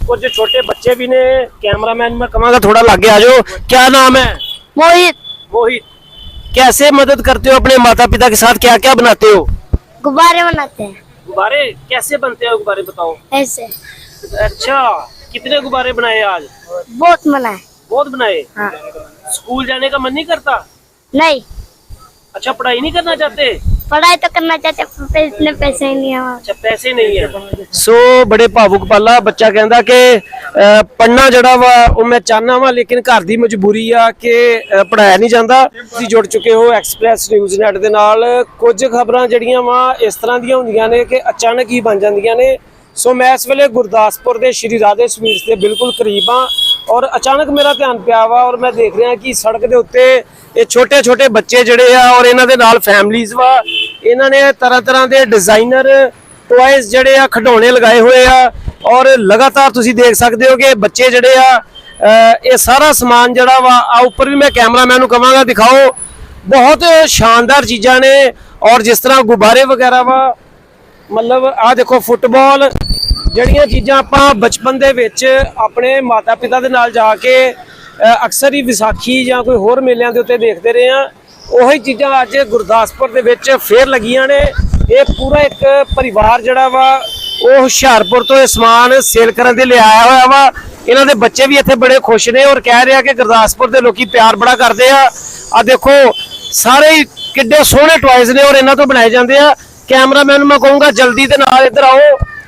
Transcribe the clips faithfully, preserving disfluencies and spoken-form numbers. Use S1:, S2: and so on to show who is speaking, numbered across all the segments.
S1: कुछ छोटे बच्चे भी ने। कैमरामैन में कमांगा थोड़ा लागे आ जाओ। क्या नाम है?
S2: मोहित।
S1: मोहित, कैसे मदद करते हो अपने माता पिता के साथ? क्या क्या बनाते हो?
S2: गुब्बारे बनाते हैं।
S1: गुब्बारे कैसे बनते हैं? गुब्बारे बताओ।
S2: ऐसे।
S1: अच्छा, कितने गुब्बारे बनाए आज?
S2: बहुत मना है।
S1: बहुत बनाए।
S2: हाँ।
S1: स्कूल जाने का मन नहीं करता?
S2: नहीं,
S1: अच्छा, पढ़ाई नहीं करना चाहते?
S2: पढ़ाई तो करना चाहते पर इतने पैसे ही नहीं है हमारे।
S1: अच्छा, पैसे नहीं है। सो बड़े भावुक पाला बच्चा कहता कि पढ़ना जड़ा वा वो मैं चाहना वा, लेकिन घर दी मजबूरी आ कि पढ़ाया नहीं जाता। ਤੁਸੀਂ जुड़ चुके हो एक्सप्रैस न्यूज़ नैट ਦੇ ਨਾਲ। ਕੁਝ ਖਬਰਾਂ ਜਿਹੜੀਆਂ ਵਾ ਇਸ ਤਰ੍ਹਾਂ ਦੀਆਂ ਹੁੰਦੀਆਂ ਨੇ ਕਿ ਅਚਾਨਕ ਹੀ ਬਣ ਜਾਂਦੀਆਂ ਨੇ। ਸੋ मैं इस वेले गुरदासपुर के श्री राधे स्वीट्स के बिल्कुल करीब हाँ, और अचानक मेरा ध्यान पिया वा और मैं देख रहा कि सड़क के उत्ते ये छोटे छोटे बच्चे जड़े आ और इन्हां दे नाल फैमिलीज वा, इन्हां ने तरह तरह के डिजाइनर टॉयज जड़े आ खिडौने लगाए हुए आ और लगातार तुसीं देख सकते हो कि बच्चे जड़े आ ये सारा समान जड़ा वा आ उपर भी मैं कैमरामैन नूं कहांगा दिखाओ। बहुत शानदार चीज़ां ने और जिस तरह गुब्बारे वगैरह वा, मतलब आ देखो फुटबॉल जड़ियां चीज़ां आपां बचपन दे विच अपने माता पिता दे नाल जाके अक्सर ही विसाखी या कोई होर मेलिਆਂ ਦੇ ਉੱਤੇ देखते रहे हैं। ਉਹੀ चीज़ां अज गुरदासपुर दे विच फेर लगियां ने। ये पूरा एक परिवार जड़ा वा वो हुशियारपुर तो समान सेल करन दे ले आया होया वा। इन्हां दे बच्चे भी इत्थे बड़े खुश ने और कह रहे हैं कि गुरदासपुर दे लोकी प्यार बड़ा करते हैं। आ देखो सारे ही किड्डे सोहणे टॉयज ने और इन्हां तो बनाए जाते हैं। कैमरामैन मैं कहूँगा जल्दी दे नाल इधर आओ।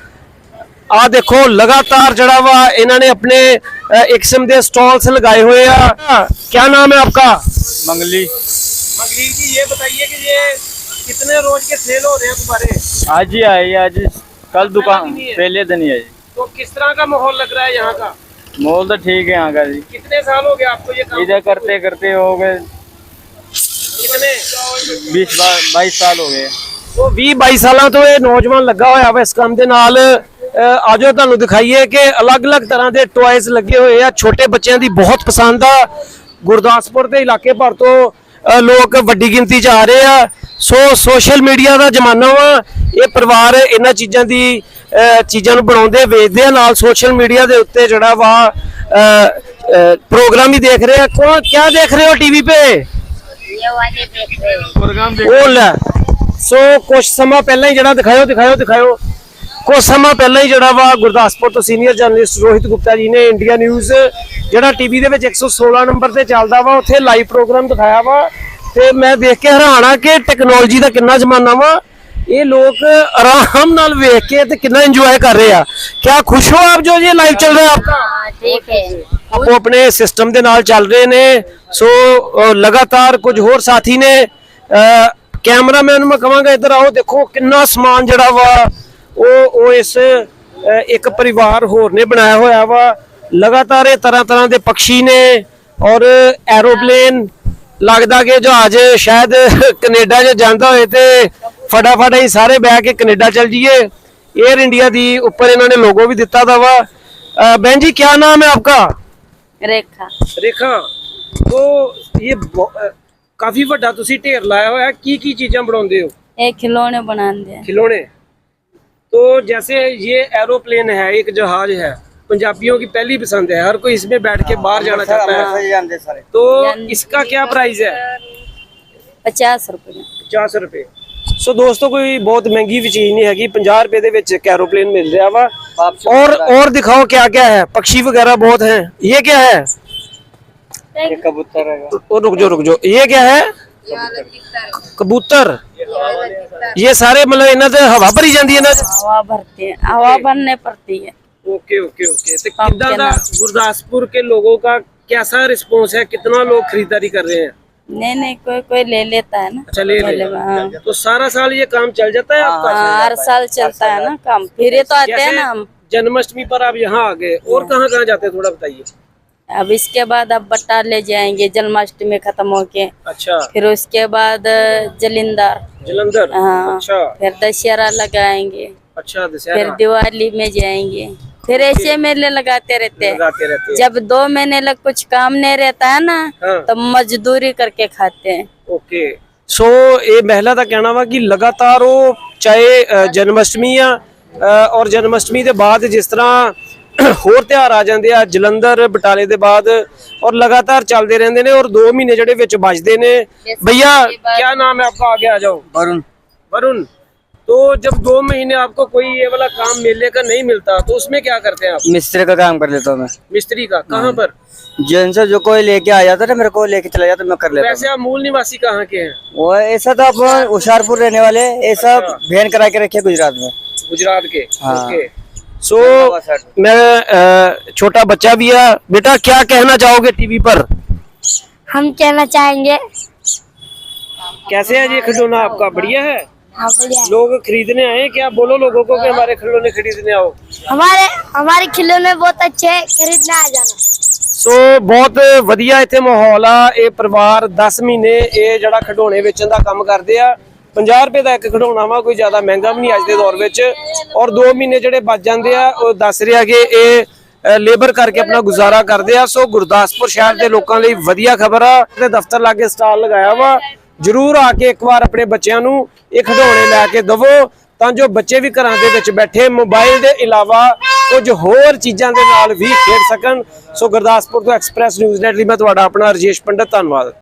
S1: आ देखो लगातार जड़ा वा इन्होंने अपने एक किस्म के स्टॉल्स लगाए हुए हैं। क्या नाम है आपका?
S3: मंगली।
S1: मंगली जी, ये बताइए कि ये कितने रोज के सेल हो रहे हैं गुब्बारे?
S3: आज ही आए, आज कल दुकान पहले दिन ही है जी।
S1: तो किस तरह का माहौल लग रहा है यहाँ का?
S3: माहौल तो ठीक है यहाँ का जी।
S1: कितने साल हो गए आपको ये काम
S3: इधर करते करते हो गए
S1: कितने?
S3: बीस बाईस साल हो गए।
S1: तो भी बाईस साल तो ये नौजवान लगा हुआ है इस काम के नाल। आज तुहानू दिखाइए कि अलग अलग तरह के टॉयज लगे हुए हैं। छोटे बच्चों की बहुत पसंद आ। गुरदासपुर के इलाके भर तो लोग वड्डी गिनती च आ रहे हैं। सो सोशल मीडिया का जमाना वा। ये परिवार इन्हां चीज़ों की चीज़ों बनाते वेचते नाल सोशल मीडिया के उत्ते जड़ा वा प्रोग्राम ही देख रहे हैं। कौन क्या देख रहे हो टीवी पे?
S2: ये वाले देख रहे हो।
S3: प्रोग्राम
S1: ਉਹ ਲੈ ਸੋ ਕੁਝ ਸਮਾਂ ਪਹਿਲਾਂ ਹੀ ਜਿਹੜਾ ਦਿਖਾਇਓ ਦਿਖਾਇਓ ਦਿਖਾਇਓ ਕੁਝ ਸਮਾਂ ਪਹਿਲਾਂ ਹੀ ਜਿਹੜਾ ਵਾ ਗੁਰਦਾਸਪੁਰ ਤੋਂ ਸੀਨੀਅਰ ਜਰਨਲਿਸਟ ਰੋਹਿਤ ਗੁਪਤਾ ਜੀ ਨੇ ਇੰਡੀਆ ਨਿਊਜ਼ ਜਿਹੜਾ ਟੀਵੀ ਦੇ ਵਿੱਚ ਇੱਕ ਸੌ ਸੋਲਾਂ ਨੰਬਰ ਤੇ ਚੱਲਦਾ ਵਾ ਉੱਥੇ ਲਾਈਵ ਪ੍ਰੋਗਰਾਮ ਦਿਖਾਇਆ ਵਾ ਤੇ ਮੈਂ ਦੇਖ ਕੇ ਹੈਰਾਨ ਆ ਕਿ ਟੈਕਨੋਲੋਜੀ ਦਾ ਕਿੰਨਾ ਜ਼ਮਾਨਾ ਵਾ। ਇਹ ਲੋਕ ਆਰਾਮ ਨਾਲ ਵੇਖ ਕੇ ਤੇ ਕਿੰਨਾ ਇੰਜੋਏ ਕਰ ਰਹੇ ਆ। क्या खुश हो आप जो ये लाइव चल रहा है आपका?
S2: ठीक है।
S1: वो अपने सिस्टम के नाल चल रहे ने। सो लगातार कुछ होर साथी ने कैमरामैन मैं कहांगा इधर आओ। देखो कितना समान जड़ा वा वो वो इस एक परिवार होर ने बनाया होया वा। लगातार ये तरह तरह के पक्षी ने और एरोप्लेन लगता कि जहाज शायद कनेडा च जाता होए ते फटाफट ही सारे बह के कनेडा चल जाइए। एयर इंडिया दी ऊपर इन्होंने लोगो भी दिता था वा। बहन जी क्या नाम है आपका?
S4: रेखा।
S1: रेखा, तो ये काफी बड़ा तुसी ढेर लाया हुआ है। की की चीजें बनाते हो?
S4: ये खिलौने बनाते हैं।
S1: खिलौने। तो जैसे ये एरोप्लेन है, एक जहाज है, पंजाबियों की पहली पसंद है। हर कोई इसमें बैठ के बाहर जाना चाहता है। तो इसका क्या प्राइस है?
S4: पचास रुपये।
S1: पचास रुपए। सो दोस्तों कोई बहुत महंगी भी चीज नहीं हैगी। पचास रुपए दे विच एक एरोप्लेन मिल रहा वा। और और दिखाओ क्या क्या है। पक्षी वगैरह बहुत हैं। ये क्या है?
S3: कबूतर है।
S1: और रुक जाओ रुक जाओ, ये क्या है? कबूतर। ये सारे मतलब इन्हां ते हवा भरी जाती है ना?
S4: हवा भरते हैं, हवा भरने पड़ती है।
S1: Okay okay okay. तो कितना दा गुरदासपुर के लोगों का कैसा रिस्पॉन्स है? कितना लोग खरीदारी कर रहे हैं?
S4: नहीं नहीं कोई कोई ले लेता है ना।
S1: अच्छा ले ले।
S4: हाँ।
S1: तो सारा साल ये काम चल जाता है आपका?
S4: हाँ, हर साल चलता है ना काम। फिर ये तो आते हैं ना हम।
S1: जन्माष्टमी पर आप यहाँ आ गए और कहाँ कहाँ जाते हैं थोड़ा बताइए।
S4: अब इसके बाद अब बट्टा ले जाएंगे जन्माष्टमी खत्म होके।
S1: अच्छा।
S4: फिर उसके बाद जलिंदर।
S1: जलंधर।
S4: हाँ।
S1: अच्छा।
S4: फिर दशहरा लगाएंगे।
S1: अच्छा
S4: फिर
S1: दशहरा।
S4: दिवाली में जाएंगे। फिर ऐसे मेले लगाते रहते हैं।
S1: लगाते रहते हैं।
S4: जब दो महीने लग कुछ काम नहीं रहता है ना
S1: हाँ।
S4: तो मजदूरी करके खाते हैं।
S1: ओके। सो ये महिला का कहना वा कि लगातार वो चाहे जन्माष्टमी आ और जन्माष्टमी के बाद जिस तरह ਹੋਰ ਤਿਉਹਾਰ ਆ ਜਾਂਦੇ ਆ ਜਲੰਧਰ ਬਟਾਲੇ ਦੇ ਬਾਅਦ ਔਰ ਲਗਾਤਾਰ ਚੱਲਦੇ ਰਹਿੰਦੇ ਨੇ ਔਰ ਦੋ ਮਹੀਨੇ ਜਿਹੜੇ ਵਿੱਚ ਬਚਦੇ ਨੇ। भैया क्या नाम है आपका, आगे आ जाओ।
S5: वरुण।
S1: वरुण, तो जब दो महीने आपको कोई ये वाला काम मेले का नहीं मिलता तो उसमें क्या करते हैं आप?
S5: मिस्त्री का काम कर लेता हूँ मैं।
S1: मिस्त्री का कहाँ पर?
S5: जिनसे जो कोई लेके आ जाता है मेरे को लेके चला जाता मैं कर लेता
S1: वैसे आप मूल निवासी कहाँ के हैं?
S5: हूँ। वो ऐसा तो आप होशियारपुर रहने वाले, ऐसा वैन करा के रखे गुजरात में।
S1: गुजरात के।
S5: हाँ।
S1: ओके। सो मैं अ, छोटा बच्चा भी है। बेटा क्या कहना चाहोगे टीवी पर?
S2: हम कहना चाहेंगे
S1: कैसे है ये खिलौना आपका? बढ़िया है।
S2: हाँ बढ़िया है।
S1: लोग खरीदने आए क्या? बोलो लोगों को कि हमारे खिलौने खरीदने आओ।
S2: हमारे हमारे खिलौने बहुत अच्छे हैं, खरीदने आ जाना।
S1: ਸੋ ਬਹੁਤ ਵਧੀਆ ਇੱਥੇ ਮਾਹੌਲ ਆ। ਇਹ ਪਰਿਵਾਰ ਦਸ ਮਹੀਨੇ ਇਹ ਜਿਹੜਾ ਖਿਡੌਣੇ ਵੇਚਣ ਦਾ ਕੰਮ ਕਰਦੇ ਆ। ਪੰਜਾਹ ਰੁਪਏ ਦਾ ਇੱਕ ਖਿਡੌਣਾ ਵਾ, ਕੋਈ ਜ਼ਿਆਦਾ ਮਹਿੰਗਾ ਵੀ ਨਹੀਂ ਅੱਜ ਦੇ ਦੌਰ ਵਿੱਚ। ਔਰ ਦੋ ਮਹੀਨੇ ਜਿਹੜੇ ਬਚ ਜਾਂਦੇ ਆ ਉਹ ਦੱਸ ਰਿਹਾ ਕਿ ਇਹ ਲੇਬਰ ਕਰਕੇ ਆਪਣਾ ਗੁਜ਼ਾਰਾ ਕਰਦੇ ਆ। ਸੋ ਗੁਰਦਾਸਪੁਰ ਸ਼ਹਿਰ ਦੇ ਲੋਕਾਂ ਲਈ ਵਧੀਆ ਖਬਰ ਆ। ਤੇ ਦਫ਼ਤਰ ਲਾਗੇ ਸਟਾਲ ਲਗਾਇਆ ਵਾ, ਜਰੂਰ ਆ ਕੇ ਇੱਕ ਵਾਰ ਆਪਣੇ ਬੱਚਿਆਂ ਨੂੰ ਇਹ ਖਿਡੌਣੇ ਲੈ ਕੇ ਦਵੋ ਤਾਂ ਜੋ ਬੱਚੇ ਵੀ ਘਰਾਂ ਦੇ ਵਿੱਚ ਬੈਠੇ ਮੋਬਾਈਲ ਦੇ ਇਲਾਵਾ ਕੁਝ ਹੋਰ ਚੀਜ਼ਾਂ ਦੇ ਨਾਲ ਵੀ ਖੇਡ ਸਕਣ। ਸੋ ਗੁਰਦਾਸਪੁਰ ਤੋਂ ਐਕਸਪ੍ਰੈਸ ਨਿਊਜ਼ ਨੈਟ ਲਈ ਮੈਂ ਤੁਹਾਡਾ ਆਪਣਾ ਰਜੇਸ਼ ਪੰਡਤ, ਧੰਨਵਾਦ।